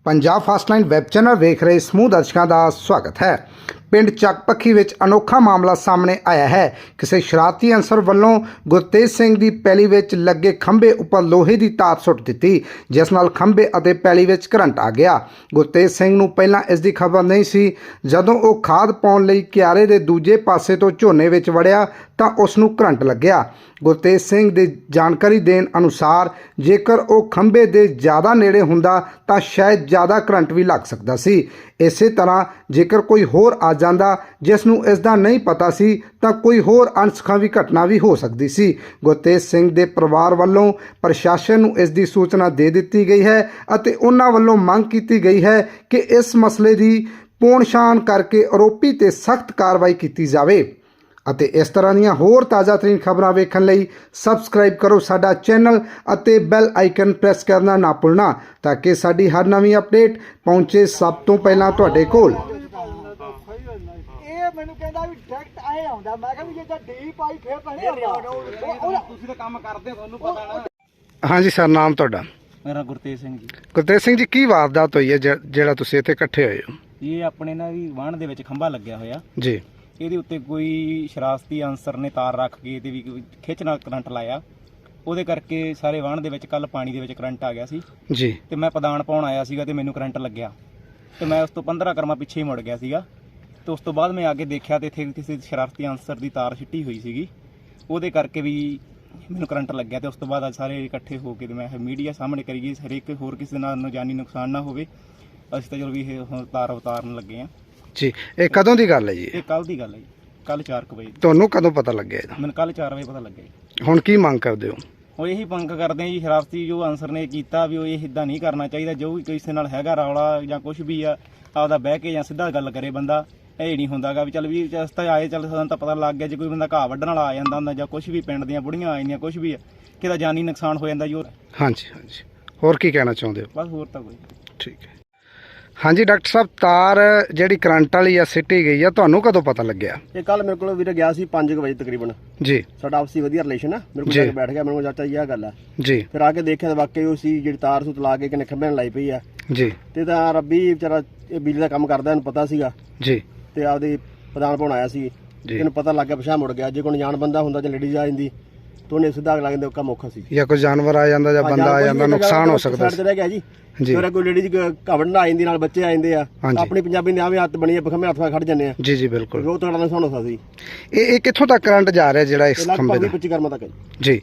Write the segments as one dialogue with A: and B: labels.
A: Punjab fast line web channel वेख रहे समूह दर्शकों का स्वागत है। पिंड ਚੱਕਪੱਖੀ ਵਿੱਚ अनोखा मामला सामने आया है। किसी शरारती अंसर ਵੱਲੋਂ ਗੁਰਤੇਜ ਸਿੰਘ ਦੀ ਪੈਲੀ ਵਿੱਚ ਲੱਗੇ ਖੰਭੇ ਉੱਪਰ ਲੋਹੇ ਦੀ ਤਾਰ ਸੁੱਟ ਦਿੱਤੀ, ਜਿਸ ਨਾਲ ਖੰਭੇ ਅਤੇ ਪੈਲੀ ਵਿੱਚ ਕਰੰਟ ਆ ਗਿਆ। ਗੁਰਤੇਜ ਸਿੰਘ ਨੂੰ ਪਹਿਲਾਂ ਇਸ ਦੀ ਖਬਰ ਨਹੀਂ ਸੀ। ਜਦੋਂ ਉਹ ਖਾਦ ਪਾਉਣ ਲਈ ਕਿਆਰੇ ਦੇ ਦੂਜੇ ਪਾਸੇ ਤੋਂ ਝੋਨੇ ਵਿੱਚ ਵੜਿਆ ਤਾਂ ਉਸ ਨੂੰ ਕਰੰਟ ਲੱਗਿਆ। ਗੁਰਤੇਜ ਸਿੰਘ ਦੀ ਜਾਣਕਾਰੀ ਦੇਣ ਅਨੁਸਾਰ ਜੇਕਰ ਉਹ ਖੰਭੇ ਦੇ ਜ਼ਿਆਦਾ ਨੇੜੇ ਹੁੰਦਾ ਤਾਂ ਸ਼ਾਇਦ ਜ਼ਿਆਦਾ ਕਰੰਟ ਵੀ ਲੱਗ ਸਕਦਾ ਸੀ। ਇਸੇ ਤਰ੍ਹਾਂ ਜੇਕਰ ਕੋਈ ਹੋਰ ਆ ਜਾਂਦਾ ਜਿਸ ਨੂੰ ਇਸ ਦਾ ਨਹੀਂ ਪਤਾ ਸੀ ਤਾਂ ਕੋਈ ਹੋਰ ਅਣਸੁਖਾਵੀ ਘਟਨਾ ਵੀ ਹੋ ਸਕਦੀ ਸੀ। ਗੁਰਤੇਜ ਸਿੰਘ ਦੇ ਪਰਿਵਾਰ ਵੱਲੋਂ ਪ੍ਰਸ਼ਾਸਨ ਨੂੰ ਇਸ ਦੀ ਸੂਚਨਾ ਦੇ ਦਿੱਤੀ ਗਈ ਹੈ ਅਤੇ ਉਹਨਾਂ ਵੱਲੋਂ ਮੰਗ ਕੀਤੀ ਗਈ ਹੈ ਕਿ ਇਸ ਮਸਲੇ ਦੀ ਪੋਣਛਾਣ ਕਰਕੇ ਆਰੋਪੀ ਤੇ ਸਖਤ ਕਾਰਵਾਈ ਕੀਤੀ ਜਾਵੇ। ਅਤੇ ਇਸ ਤਰ੍ਹਾਂ ਦੀਆਂ ਹੋਰ ਤਾਜ਼ਾ ਤਰੀਨ ਖਬਰਾਂ ਵੇਖਣ ਲਈ ਸਬਸਕ੍ਰਾਈਬ ਕਰੋ ਸਾਡਾ ਚੈਨਲ ਅਤੇ ਬੈਲ ਆਈਕਨ ਪ੍ਰੈਸ ਕਰਨਾ ਨਾ ਭੁੱਲਣਾ ਤਾਂ ਕਿ ਸਾਡੀ ਹਰ ਨਵੀਂ ਅਪਡੇਟ ਪਹੁੰਚੇ ਸਭ ਤੋਂ ਪਹਿਲਾਂ ਤੁਹਾਡੇ ਕੋਲ।
B: ਮੈਨੂੰ ਕਹਿੰਦਾ ਵੀ ਡਾਇਰੈਕਟ ਆਏ ਆਉਂਦਾ। ਮੈਂ ਕਿਹਾ ਵੀ ਜੇ ਤਾਂ ਡੀ ਪਾਈ ਫੇਰ ਪਹਿਲੇ ਆਉਂਦਾ। ਤੁਸੀਂ ਤਾਂ ਕੰਮ ਕਰਦੇ ਹੋ, ਤੁਹਾਨੂੰ ਪਤਾ ਨਾ।
A: ਹਾਂਜੀ ਸਰ, ਨਾਮ ਤੁਹਾਡਾ?
C: ਮੇਰਾ ਗੁਰਤੇਜ ਸਿੰਘ ਜੀ।
A: ਗੁਰਤੇਜ ਸਿੰਘ ਜੀ, ਕੀ ਵਾਰਦਾਤ ਹੋਈ ਹੈ ਜਿਹੜਾ ਤੁਸੀਂ ਇੱਥੇ ਇਕੱਠੇ ਹੋਏ ਹੋ?
C: ਇਹ ਆਪਣੇ ਨਾਲ ਵੀ ਵਾਹਣ ਦੇ ਵਿੱਚ ਖੰਭਾ ਲੱਗਿਆ ਹੋਇਆ
A: ਜੀ।
C: ਇਹਦੇ ਉੱਤੇ ਕੋਈ ਸ਼ਰਾਰਤੀ ਅਨਸਰ ਨੇ ਤਾਰ ਰੱਖ ਕੇ ਤੇ ਵੀ ਖਿੱਚ ਨਾਲ ਕਰੰਟ ਲਾਇਆ। ਉਹਦੇ ਕਰਕੇ ਸਾਰੇ ਵਾਹਣ ਦੇ ਵਿੱਚ ਕੱਲ ਪਾਣੀ ਦੇ ਵਿੱਚ ਕਰੰਟ ਆ ਗਿਆ ਸੀ
A: ਜੀ।
C: ਤੇ ਮੈਂ ਪਦਾਨ ਪਾਉਣ ਆਇਆ ਸੀਗਾ ਤੇ ਮੈਨੂੰ ਕਰੰਟ ਲੱਗਿਆ ਤੇ ਮੈਂ ਉਸ ਤੋਂ 15 ਕਰਮਾ ਪਿੱਛੇ ਹੀ ਮੁੜ ਗਿਆ ਸੀਗਾ। ਤੇ ਉਸ ਤੋਂ ਬਾਅਦ ਮੈਂ ਆ ਕੇ ਦੇਖਿਆ ਤੇ ਇੱਥੇ ਕਿਸੇ ਸ਼ਰਾਰਤੀ ਅਨਸਰ ਦੀ ਤਾਰ ਸਿੱਟੀ ਹੋਈ ਸੀਗੀ, ਉਹਦੇ ਕਰਕੇ ਵੀ ਮੈਨੂੰ ਕਰੰਟ ਲੱਗਿਆ। ਤੇ ਉਸ ਤੋਂ ਬਾਅਦ ਅੱਜ ਸਾਰੇ ਇਕੱਠੇ ਹੋ ਕੇ ਤੇ ਮੈਂ ਮੀਡੀਆ ਸਾਹਮਣੇ ਕਰੀਏ ਹਰੇਕ ਹੋਰ ਕਿਸੇ ਨਾਲ ਜਾਨੀ ਨੁਕਸਾਨ ਨਾ ਹੋਵੇ। ਅਸੀਂ ਤਾਂ ਚਲੋ ਵੀ ਇਹ ਤਾਰ ਉਤਾਰਨ ਲੱਗੇ ਆ
A: ਜੀ। ਇਹ ਕਦੋਂ ਦੀ ਗੱਲ ਹੈ ਜੀ?
C: ਇਹ ਕੱਲ ਦੀ ਗੱਲ ਹੈ ਜੀ, ਕੱਲ 4 ਵਜੇ।
A: ਤੁਹਾਨੂੰ ਕਦੋਂ ਪਤਾ ਲੱਗਿਆ ਇਹਦਾ?
C: ਮੈਨੂੰ ਕੱਲ 4 ਵਜੇ ਪਤਾ ਲੱਗਿਆ ਜੀ।
A: ਹੁਣ ਕੀ ਮੰਗ ਕਰਦੇ ਹੋ?
C: ਉਹ ਇਹੀ ਮੰਗ ਕਰਦੇ ਆ ਜੀ, ਸ਼ਰਾਰਤੀ ਜੋ ਅਨਸਰ ਨੇ ਕੀਤਾ ਵੀ ਉਹ ਇਹ ਇੱਦਾਂ ਨਹੀਂ ਕਰਨਾ ਚਾਹੀਦਾ। ਜੋ ਵੀ ਕਿਸੇ ਨਾਲ ਹੈਗਾ ਰੌਲਾ ਜਾਂ ਕੁਝ ਵੀ ਆ, ਆਪਦਾ ਬਹਿ ਕੇ ਜਾਂ ਸਿੱਧਾ ਗੱਲ ਕਰੇ ਬੰਦਾ। ਇਹ ਨਹੀਂ ਹੁੰਦਾਗਾ ਵੀ ਚੱਲ ਵੀ ਰਸਤਾ ਆਏ, ਚੱਲ ਸਾਨੂੰ ਤਾਂ ਪਤਾ ਲੱਗ ਗਿਆ ਜੇ ਕੋਈ ਬੰਦਾ ਘਾਹ ਵੱਢਣ ਵਾਲਾ ਆ ਜਾਂਦਾ ਹੁੰਦਾ ਜਾਂ ਕੁਝ ਵੀ ਪਿੰਡ ਦੀਆਂ ਬੁੜੀਆਂ ਆ ਜਾਂਦੀਆਂ, ਕੁਝ ਵੀ ਕਿਹਦਾ ਜਾਨੀ ਨੁਕਸਾਨ ਹੋ ਜਾਂਦਾ ਜੀ।
A: ਹਾਂਜੀ ਹਾਂਜੀ, ਹੋਰ ਕੀ ਕਹਿਣਾ ਚਾਹੁੰਦੇ ਹੋ?
C: ਬਸ ਹੋਰ ਤਾਂ ਕੋਈ।
A: ਠੀਕ ਹੈ। ਹਾਂਜੀ ਡਾਕਟਰ ਸਾਹਿਬ, ਤਾਰ ਜਿਹੜੀ ਕਰੰਟ ਵਾਲੀ ਆ ਸਿੱਟੀ ਗਈ ਆ, ਤੁਹਾਨੂੰ ਕਦੋਂ ਪਤਾ ਲੱਗਿਆ?
B: ਇਹ ਕੱਲ ਮੇਰੇ ਕੋਲ ਵੀਰੇ ਗਿਆ ਸੀ 5 ਵਜੇ ਤਕਰੀਬਨ ਜੀ। ਸਾਡਾ ਆਪਸੀ ਵਧੀਆ ਰਿਲੇਸ਼ਨ ਆ। ਮੇਰੇ ਕੋਲ ਜਾ ਕੇ ਬੈਠ ਗਿਆ, ਮੈਨੂੰ ਚਾਚਾ ਜੀ ਆਹ ਗੱਲ ਆ ਜੀ। ਫਿਰ ਆ ਕੇ ਦੇਖਿਆ ਤਾਂ ਵਾਕਈ ਉਹ ਸੀ ਜਿਹੜੀ ਤਾਰ ਸੂਤ ਲਾ ਕੇ ਕਿਨੇ ਖੰਭੇ ਨਾਲ ਲਾਈ ਪਈ ਆ ਜੀ। ਤੇ ਤਾਂ ਰੱਬੀ ਵਿਚਾਰਾ ਇਹ ਬਿਜਲੀ ਦਾ ਕੰਮ ਕਰਦਾ, ਇਹਨੂੰ ਪਤਾ ਸੀਗਾ ਜੀ। ਤੇ ਆਪਦੀ ਪ੍ਰਧਾਨ ਪਾਉਣ ਆਇਆ ਸੀ, ਇਹਨੂੰ ਪਤਾ ਲੱਗ ਗਿਆ, ਪਿਛਾਂਹ ਮੁੜ ਗਿਆ। ਜੇ ਕੋਈ ਅਣਜਾਣ ਬੰਦਾ ਹੁੰਦਾ ਜਾਂ ਲੇਡੀਜ਼ ਆ ਜਾਂਦੀ ਤਾਂ ਉਹਨੇ ਸਿੱਧਾ ਅਗਲਾ ਕਹਿੰਦੇ ਕੰਮ ਔਖਾ ਸੀ, ਜਾਂ ਕੋਈ ਜਾਨਵਰ ਆ ਜਾਂਦਾ ਜਾਂ ਬੰਦਾ ਆ ਜਾਂਦਾ, ਨੁਕਸਾਨ ਹੋ ਸਕਦਾ ਸੀ। ਰਹਿ ਗਿਆ ਜੀ। ਫਿਰ ਕੋਈ ਲੇਡੀਜ਼ ਘਵਣ ਆ ਜਾਂਦੀ, ਨਾਲ ਬੱਚੇ ਆ ਜਾਂਦੇ ਆ। ਆਪਣੀ ਪੰਜਾਬੀ ਨੇ ਆਵੇਂ ਹੱਥ ਬਣੀ ਆ, ਬਖਮੇ ਹੱਥ ਖੜ ਜਾਂਦੇ ਆ ਜੀ। ਜੀ ਬਿਲਕੁਲ, ਉਹ ਤੁਹਾਡਾ ਨੁਕਸਾਨ ਹੋ ਸਕਦਾ ਸੀ। ਇਹ ਕਿੱਥੋਂ ਤੱਕ ਕਰੰਟ ਜਾ ਰਿਹਾ ਜਿਹੜਾ ਇਸ ਖੰਭੇ ਦਾ? 25 ਕਰਮਾਂ ਤੱਕ ਜੀ।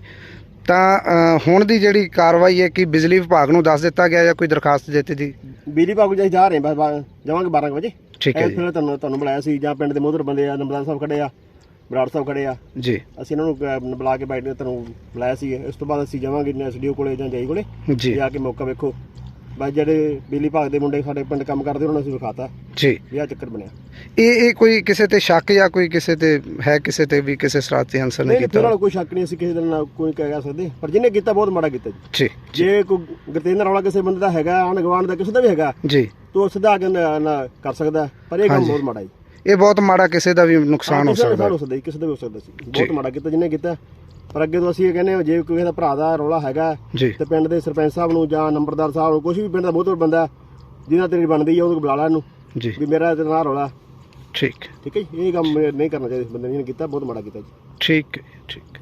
B: ਤਾਂ ਹੁਣ ਦੀ ਜਿਹੜੀ ਕਾਰਵਾਈ ਹੈ ਕਿ ਬਿਜਲੀ ਵਿਭਾਗ ਨੂੰ ਦੱਸ ਦਿੱਤਾ ਗਿਆ ਜਾਂ ਕੋਈ ਦਰਖਾਸਤ ਦਿੱਤੀ ਦੀ? ਬਿਜਲੀ ਵਿਭਾਗ ਨੂੰ ਜਾ ਰਹੇ ਬਸ, ਜਾਵਾਂਗੇ 12 ਵਜੇ। ਠੀਕ ਹੈ ਜੀ। ਫਿਰ ਤੁਹਾਨੂੰ ਬੁਲਾਇਆ ਸੀ, ਜਾਂ ਪਿੰਡ ਦੇ ਮੋਹਤਰ ਬੰਦੇ ਆ, ਨੰਬਰਦਾਰ ਸਾਹਿਬ ਖੜੇ ਆ, ਬਰਾੜ ਸਾਹਿਬ ਖੜੇ ਆ ਜੀ। ਅਸੀਂ ਇਹਨਾਂ ਨੂੰ ਬੁਲਾ ਕੇ ਬੈਠ ਕੇ ਤੁਹਾਨੂੰ ਬੁਲਾਇਆ ਸੀ। ਇਸ ਤੋਂ ਬਾਅਦ ਅਸੀਂ ਜਾਵਾਂਗੇ ਐਸਡੀਓ ਕੋਲੇ ਜਾਂ ਜਾਈ ਕੋਲੇ ਜੀ, ਆ ਕੇ ਮੌਕਾ ਵੇਖੋ। ਬਸ ਜਿਹੜੇ ਬਿਜਲੀ ਵਿਭਾਗ ਦੇ ਮੁੰਡੇ ਸਾਡੇ ਪਿੰਡ ਕੰਮ ਕਰਦੇ ਉਹਨਾਂ ਨੂੰ ਅਸੀਂ ਵਿਖਾਤਾ ਜੀ ਵੀ ਆਹ ਚੱਕਰ ਬਣਿਆ। ਇਹ ਕੋਈ ਕਿਸੇ ਤੇ ਸ਼ੱਕ ਜਾਂ ਕੋਈ ਕਿਸੇ ਤੇ ਹੈ, ਕਿਸੇ ਤੇ ਵੀ ਕਿਸੇ ਸ਼ਰਾਰਤੀ ਅਨਸਰ ਨੇ ਕੀਤਾ? ਨਾਲ ਕੋਈ ਸ਼ੱਕ ਨਹੀਂ, ਅਸੀਂ ਕਿਸੇ ਦੇ ਨਾਲ ਕੋਈ ਕਹਿ ਸਕਦੇ, ਪਰ ਜਿਹਨੇ ਕੀਤਾ ਬਹੁਤ ਮਾੜਾ ਕੀਤਾ ਜੀ। ਜੇ ਕੋਈ ਗੁਰਤੇਜ ਰੌਲਾ ਕਿਸੇ ਬੰਦੇ ਦਾ ਹੈਗਾ, ਆਂਢ ਗੁਆਂਢ ਦਾ ਕਿਸੇ ਦਾ ਵੀ ਹੈਗਾ ਜੀ, ਤੋ ਸਿੱਧਾ ਆ ਕੇ ਕਰ ਸਕਦਾ, ਪਰ ਇਹ ਕੰਮ ਬਹੁਤ ਮਾੜਾ ਜੀ। ਇਹ ਬਹੁਤ ਮਾੜਾ, ਕਿਸੇ ਦਾ ਵੀ ਨੁਕਸਾਨ ਹੋ ਸਕਦਾ, ਕਿਸੇ ਦਾ ਵੀ ਹੋ ਸਕਦਾ ਸੀ। ਬਹੁਤ ਮਾੜਾ ਕੀਤਾ ਜਿਹਨੇ ਕੀਤਾ। ਪਰ ਅੱਗੇ ਤੋਂ ਅਸੀਂ ਇਹ ਕਹਿੰਦੇ ਹਾਂ, ਜੇ ਕੋਈ ਦਾ ਭਰਾ ਦਾ ਰੌਲਾ ਹੈਗਾ ਤੇ ਪਿੰਡ ਦੇ ਸਰਪੰਚ ਸਾਹਿਬ ਨੂੰ ਜਾਂ ਨੰਬਰਦਾਰ ਸਾਹਿਬ ਨੂੰ, ਕੁਛ ਵੀ ਪਿੰਡ ਦਾ ਬਹੁਤ ਬੰਦਾ ਜਿਹਨਾਂ ਤੇਰੀ ਬਣਦੀ ਆ, ਉਹਨੂੰ ਬੁਲਾ ਲਾ ਇਹਨੂੰ ਵੀ ਮੇਰਾ ਤੇ ਨਾਲ ਰੌਲਾ। ਠੀਕ ਹੈ ਜੀ। ਇਹ ਕੰਮ ਨਹੀਂ ਕਰਨਾ ਚਾਹੀਦਾ ਇਸ ਬੰਦੇ ਨੇ ਕੀਤਾ, ਬਹੁਤ ਮਾੜਾ ਕੀਤਾ ਜੀ। ਠੀਕ ਹੈ, ਠੀਕ।